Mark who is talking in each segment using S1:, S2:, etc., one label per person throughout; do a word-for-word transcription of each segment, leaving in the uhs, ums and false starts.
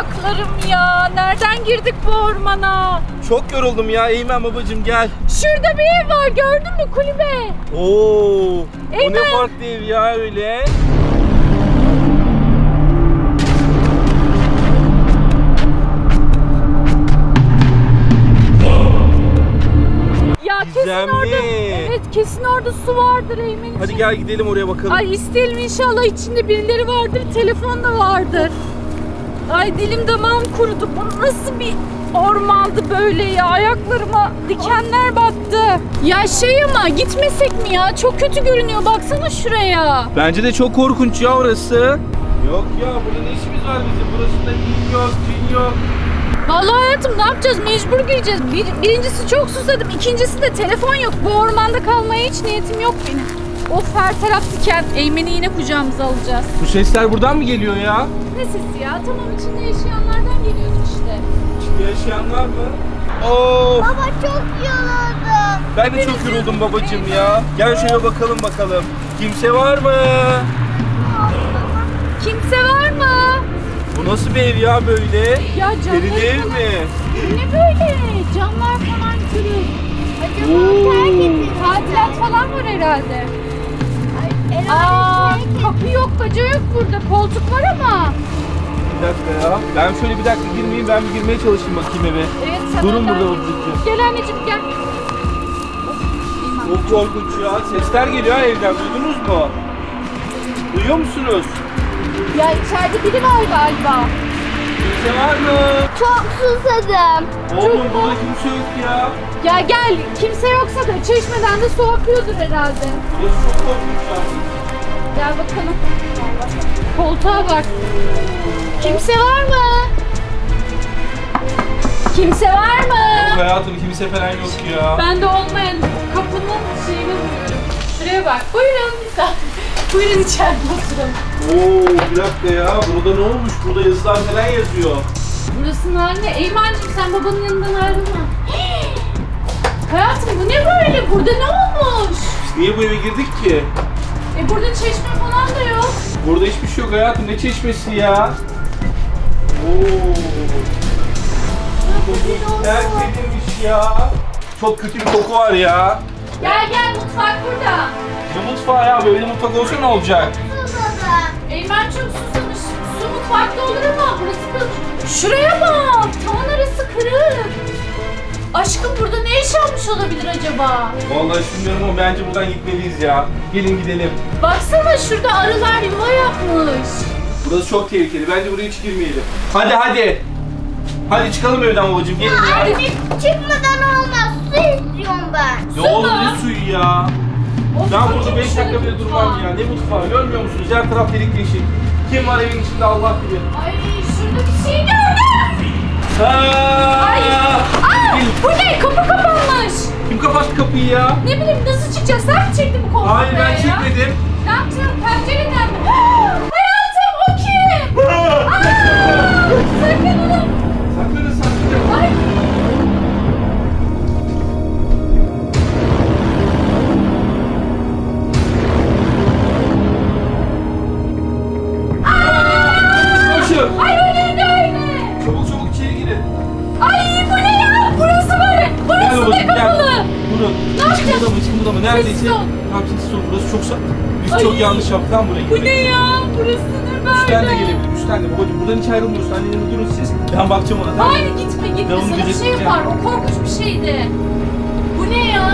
S1: ayaklarım ya. Nereden girdik bu ormana?
S2: Çok yoruldum ya. Eymen babacığım gel.
S1: Şurada bir ev var, gördün mü, kulübe?
S2: Oo, o
S1: Eymen.
S2: ne farklı ev ya öyle.
S1: Ya kesin
S2: Gizemli.
S1: orada, evet kesin orada su vardır Eymen'ciğim.
S2: Hadi gel gidelim oraya bakalım.
S1: Ay isteyelim, inşallah içinde birileri vardır, telefon da vardır. Ay dilim damağım kurudu. Bu nasıl bir ormandı böyle ya? Ayaklarıma dikenler battı. Ya şey ama gitmesek mi ya? Çok kötü görünüyor. Baksana şuraya.
S2: Bence de çok korkunç ya orası. Yok ya, burada ne işimiz var bizim? Burasında in yok, cin yok.
S1: Vallahi hayatım, ne yapacağız? Mecbur gireceğiz. Bir, birincisi çok susadım. İkincisi de telefon yok. Bu ormanda kalmaya hiç niyetim yok benim. Of, her taraf diken. Eymen'i yine kucağımıza alacağız.
S2: Bu sesler buradan mı geliyor ya?
S1: Ne sesi ya? Tamam, içinde yaşayanlardan geliyordur işte.
S2: İçinde yaşayanlar mı? Of!
S3: Baba çok yoruldum.
S2: Ben de çok yoruldum babacığım ya. Gel şöyle bakalım bakalım. Kimse var mı?
S1: Kimse var mı?
S2: Bu nasıl bir ev ya böyle?
S1: Ya camları
S2: Perili ev
S1: falan-
S2: mi?
S1: Bu ne böyle? Camlar falan kırık.
S3: Acaba
S2: Oo.
S3: terk edildi.
S1: Tadilat falan var herhalde.
S3: Ay,
S1: Aa,
S3: herhalde terk edildi.
S1: kapı yok, baca yok burada. Koltuk var ama.
S2: Bir dakika ya. Ben şöyle bir dakika girmeyeyim, ben bir girmeye çalışayım bakayım eve.
S1: Evet, sen
S2: Durun
S1: önden-
S2: burada babacığım.
S1: Gel anneciğim, gel.
S2: Çok korkunç ya. Sesler geliyor ha evden. Duydunuz mu? Duyuyor musunuz?
S1: Ya içeride biri var galiba.
S2: Kimse var mı?
S3: Çok susadım.
S2: Oğlum burada kimse yok ya.
S1: Ya gel, kimse yoksa da çeşmeden de su akıyordur herhalde.
S2: Burası çok korkunç ya.
S1: Gel bakalım. Koltuğa bak. Kimse var mı? Kimse var mı?
S2: Hayatım kimse falan yok ya.
S1: Ben de olmayan kapının şeyini buluyorum. Şuraya bak. Buyurun misafir. Buyurun içeride oturalım.
S2: Oo, bir dakika ya. Burada ne olmuş? Burada yazılar falan yazıyor.
S1: Burasının haline. Eymen'cim sen babanın yanından ayrılma. Hayatım bu ne böyle? Burada ne olmuş?
S2: Biz niye bu eve girdik ki?
S1: E burada çeşme falan da yok.
S2: Burada hiçbir şey yok hayatım. Ne çeşmesi ya? Oo. Koku terk edilmiş ya. Çok kötü bir koku var ya.
S1: Gel gel, mutfak burada.
S2: Ne mutfağı ya? Böyle mutfak olsa ne olacak?
S3: Susadım.
S1: Eymen çok susamış. Su mutfakta olur ama burası kırık. Şuraya bak. Tavan arası kırık. Aşkım burada ne yaşanmış olabilir acaba?
S2: Vallahi bilmiyorum ama bence buradan gitmeliyiz ya. Gelin gidelim.
S1: Baksana şurada arılar yuva yapmış.
S2: Burası çok tehlikeli. Bence buraya hiç girmeyelim. Hadi hadi. Hadi çıkalım evden babacığım. Gelin ya.
S3: Anne çıkmadan olmaz. Su istiyorum ben.
S2: Ya oğlum
S1: Sana.
S2: ne suyu ya?
S1: Of,
S2: Ben burada
S1: bakayım
S2: beş dakika
S1: şöyle
S2: bile
S1: mutfağa.
S2: durmam ya. Ne mutfağı görmüyor musunuz? Her taraf delik deşik. Kim var evin içinde Allah bilir.
S1: Ay şurada bir şey gördüm. Ay.
S2: Aa!
S1: Aa, bu ne? Kapı kapanmış.
S2: Kim kapattı kapıyı ya?
S1: Ne bileyim, nasıl çıkacağız? Sen mi çektin bu koltuğu
S2: Hayır ben
S1: buraya ya?
S2: çekmedim.
S1: Ne yapacağım? Pencereden mi? Hayatım o kim? Aa, saklanalım.
S2: Saklanın saklanın.
S1: Ay.
S2: Koşun.
S1: Ay o neydi öyle?
S2: Çabuk çabuk içeri girin.
S1: Ay bu ne ya? Burası böyle.
S2: Gel
S1: Burası da
S2: babacığım gel.
S1: kapalı.
S2: Durun.
S1: Ne
S2: Hiç
S1: yapacağız?
S2: kımıldama hiç kımıldama. Neredeyse.
S1: Sessiz ol.
S2: Tamam sessiz ol. Burası çok sa... Biz
S1: Ay.
S2: çok yanlış yaptık. Tamam buraya
S1: Bu
S2: gitmek.
S1: ne ya? Burası ne böyle?
S2: Üstten de gelebilir. Üstten de. Babacığım buradan hiç ayrılmıyorsun. Annenle durun siz. Ben bakacağım ona. Tamam.
S1: Hayır gitme gitme.
S2: Ben onu
S1: Sana bir şey
S2: gözeteceğim.
S1: yapar. O korkunç bir şeydi. Bu ne ya?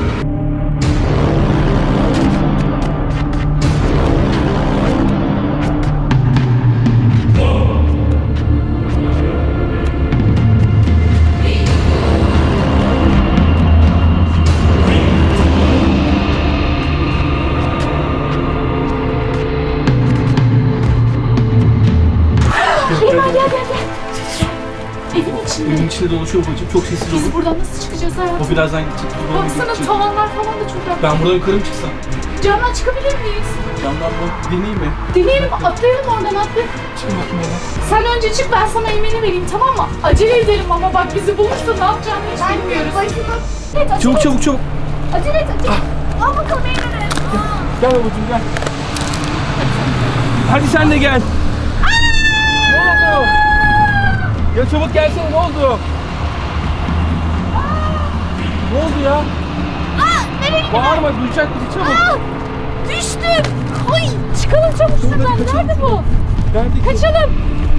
S1: Eymen gel gel gel. Evin içinde.
S2: Evin içinde dolaşıyor babacığım. Çok sessiz
S1: Biz
S2: olun.
S1: buradan nasıl çıkacağız hayatım?
S2: O birazdan gidecek. Biz ona
S1: Baksana
S2: gidecek.
S1: tavanlar falan da çok rahat.
S2: Ben buradan yukarı mı çıksam?
S1: Camdan çıkabilir miyiz?
S2: Camdan mı? Deneyeyim mi?
S1: Deneyelim, atlayalım oradan atlayalım.
S2: Çıkın bakayım ona.
S1: Sen önce çık, ben sana Eymen'i vereyim, tamam mı? Acele edelim ama bak bizi bulursa ne yapacağını hiç
S3: Ben
S1: bilmiyoruz.
S3: tek başıma.
S1: Evet, acele
S2: Çabuk
S1: et.
S2: çabuk çabuk.
S1: Acele et, acele et.
S3: Al bakalım Eymen'e.
S2: Gel babacığım gel. Hadi sen de gel. Ne oldu? Ya çabuk gelsene, ne oldu? Ne oldu ya?
S1: Aa, nereye gidiyor?
S2: Bağırma, duyacak bizi, çabuk.
S1: Aa, düştüm. Ay, çıkalım çabuk şuradan.
S2: kaçalım.
S1: Nerede bu?
S2: Nerede ki?
S1: Kaçalım.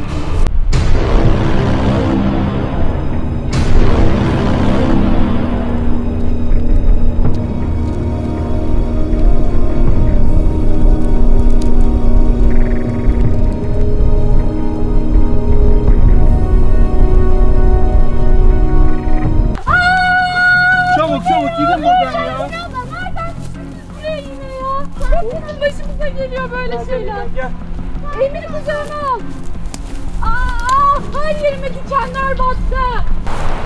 S2: Çabuk çabuk gidin buradan ya.
S1: Ya da nereden düştünüz buraya yine ya? Hepimizin başımıza geliyor böyle
S2: Gel,
S1: şeyler.
S2: gel, gel.
S1: Emir'i kucağına al. Aa, her yerime dikenler battı.